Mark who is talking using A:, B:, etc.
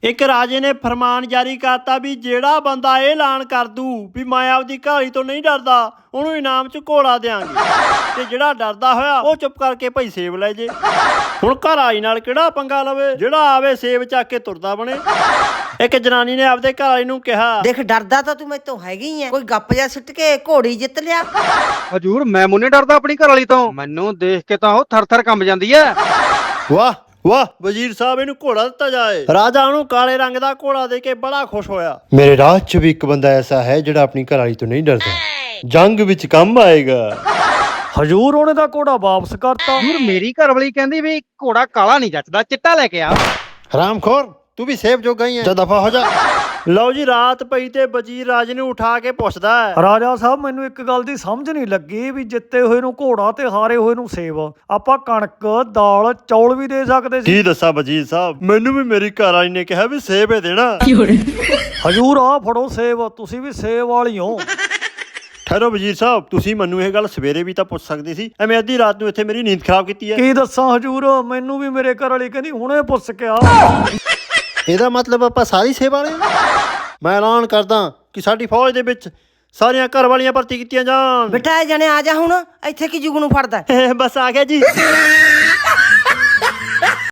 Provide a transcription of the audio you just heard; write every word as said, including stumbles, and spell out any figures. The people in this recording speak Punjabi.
A: ਇੱਕ ਰਾਜੇ ਨੇ ਫਰਮਾਨ ਜਾਰੀ ਕਰਤਾ ਵੀ ਜਿਹੜਾ ਬੰਦਾ ਇਹ ਐਲਾਨ ਕਰ ਦੂ ਵੀ ਮੈਂ ਆਪਦੀ ਘਾਲੀ ਤੋਂ ਨਹੀਂ ਡਰਦਾ ਉਹਨੂੰ ਇਨਾਮ ਚ ਘੋੜਾ ਦਿਆਂਗੇ ਤੇ ਜਿਹੜਾ ਡਰਦਾ ਹੋਇਆ ਉਹ ਚੁੱਪ ਕਰਕੇ ਭਾਈ ਸੇਬ ਲੈ ਜੇ। ਹੁਣ ਘਰ ਆਈ ਨਾਲ ਕਿਹੜਾ ਪੰਗਾ ਲਵੇ, ਜਿਹੜਾ ਆਵੇ ਸੇਬ ਚੱਕ ਕੇ ਤੁਰਦਾ ਬਣੇ। ਇੱਕ ਜਨਾਨੀ ਨੇ ਆਪਦੇ ਘਰ ਵਾਲੀ ਨੂੰ ਕਿਹਾ,
B: ਦੇਖ ਡਰਦਾ ਤਾਂ ਤੂੰ ਮੈਥੋਂ ਹੈਗੀ ਐ, ਕੋਈ ਗੱਪ ਜਾ ਸਿੱਟ ਕੇ ਘੋੜੀ ਜਿੱਤ ਲਿਆ।
C: ਹਜੂਰ ਮੈਂ ਮੁੰਨੇ ਡਰਦਾ ਆਪਣੀ ਘਰ ਵਾਲੀ ਤੋਂ, ਮੈਨੂੰ ਦੇਖ ਕੇ ਤਾਂ ਉਹ ਥਰ ਥਰ ਕੰਬ ਜਾਂਦੀ ਐ।
A: ਵਾਹ ਵਾਹ ਵਜ਼ੀਰ ਸਾਹਿਬ ਇਹਨੂੰ ਘੋੜਾ ਦਿੱਤਾ ਜਾਏ। ਰਾਜਾ ਉਹਨੂੰ ਕਾਲੇ ਰੰਗ ਦਾ ਘੋੜਾ ਦੇ ਕੇ ਬੜਾ ਖੁਸ਼ ਹੋਇਆ। ਮੇਰੇ ਰਾਜ ਚ ਵੀ ਇੱਕ ਬੰਦਾ ਐਸਾ ਹੈ ਜਿਹੜਾ ਆਪਣੀ ਘਰਵਾਲੀ ਤੋਂ ਨਹੀਂ ਡਰਦਾ, ਜੰਗ ਵਿੱਚ ਕੰਮ ਆਏਗਾ।
D: ਹਜੂਰ ਉਹਨੇ ਦਾ ਘੋੜਾ ਵਾਪਸ ਕਰਤਾ।
C: ਹਜੂਰ ਮੇਰੀ ਘਰ ਵਾਲੀ ਕਹਿੰਦੀ ਵੀ ਘੋੜਾ ਕਾਲਾ ਨਹੀਂ ਜੱਚਦਾ, ਚਿੱਟਾ ਲੈ ਕੇ ਆ।
A: ਹਰਾਮਖੋਰ ਤੂੰ ਵੀ ਸੇਬ ਜੋ ਗਈ ਹੈ, ਜਾ ਦਫਾ ਹੋ ਜਾ। ਲਓ ਜੀ ਰਾਤ ਪਈ ਤੇ ਵਜ਼ੀਰ ਰਾਜੇ ਨੂੰ ਉਠਾ ਕੇ ਪੁੱਛਦਾ ਹੈ,
D: ਰਾਜਾ ਸਾਹਿਬ ਮੈਨੂੰ ਇੱਕ ਗੱਲ ਦੀ ਸਮਝ ਨਹੀਂ ਲੱਗੀ ਵੀ ਜਿੱਤੇ ਹੋਏ ਨੂੰ ਘੋੜਾ ਤੇ ਹਾਰੇ ਹੋਏ ਨੂੰ ਸੇਬ। ਆਪਾਂ ਕਣਕ ਦਾਲ ਚੌਲ ਵੀ ਦੇ ਸਕਦੇ ਸੀ।
A: ਕੀ ਦੱਸਾਂ ਵਜ਼ੀਰ ਸਾਹਿਬ, ਮੈਨੂੰ ਵੀ ਮੇਰੀ ਘਰ ਵਾਲੀ ਨੇ ਕਿਹਾ ਵੀ ਸੇਬ ਹੀ ਦੇਣਾ।
D: ਹਜੂਰ ਆ ਫੜੋ ਸੇਬ, ਤੁਸੀਂ ਵੀ ਸੇਬ ਵਾਲੀ ਹੋ।
A: ਠਹਿਰੋ ਵਜ਼ੀਰ ਸਾਹਿਬ, ਤੁਸੀਂ ਮੈਨੂੰ ਇਹ ਗੱਲ ਸਵੇਰੇ ਵੀ ਤਾਂ ਪੁੱਛ ਸਕਦੇ ਸੀ, ਐਵੇਂ ਅੱਧੀ ਰਾਤ ਨੂੰ ਇੱਥੇ ਮੇਰੀ ਨੀਂਦ ਖਰਾਬ ਕੀਤੀ ਹੈ।
D: ਕੀ ਦੱਸਾਂ ਹਜੂਰ, ਮੈਨੂੰ ਵੀ ਮੇਰੇ ਘਰ ਵਾਲੀ ਕਹਿੰਦੀ ਹੁਣੇ ਪੁੱਛ ਕੇ ਆ।
A: ਇਹਦਾ ਮਤਲਬ ਆਪਾਂ ਸਾਰੀ ਸੇਬ ਵਾਲੇ ਹਾਂ। ਮੈਂ ਐਲਾਨ ਕਰਦਾ ਕਿ ਸਾਡੀ ਫੌਜ ਦੇ ਵਿੱਚ ਸਾਰੀਆਂ ਘਰ ਵਾਲੀਆਂ ਭਰਤੀ ਕੀਤੀਆਂ ਜਾਣ।
B: ਬਿਠਾਏ ਜਣੇ ਆ ਜਾ ਹੁਣ, ਇੱਥੇ ਕੀ ਜੁਗ ਨੂੰ ਫੜਦਾ।
A: ਬਸ ਆ ਗਿਆ ਜੀ।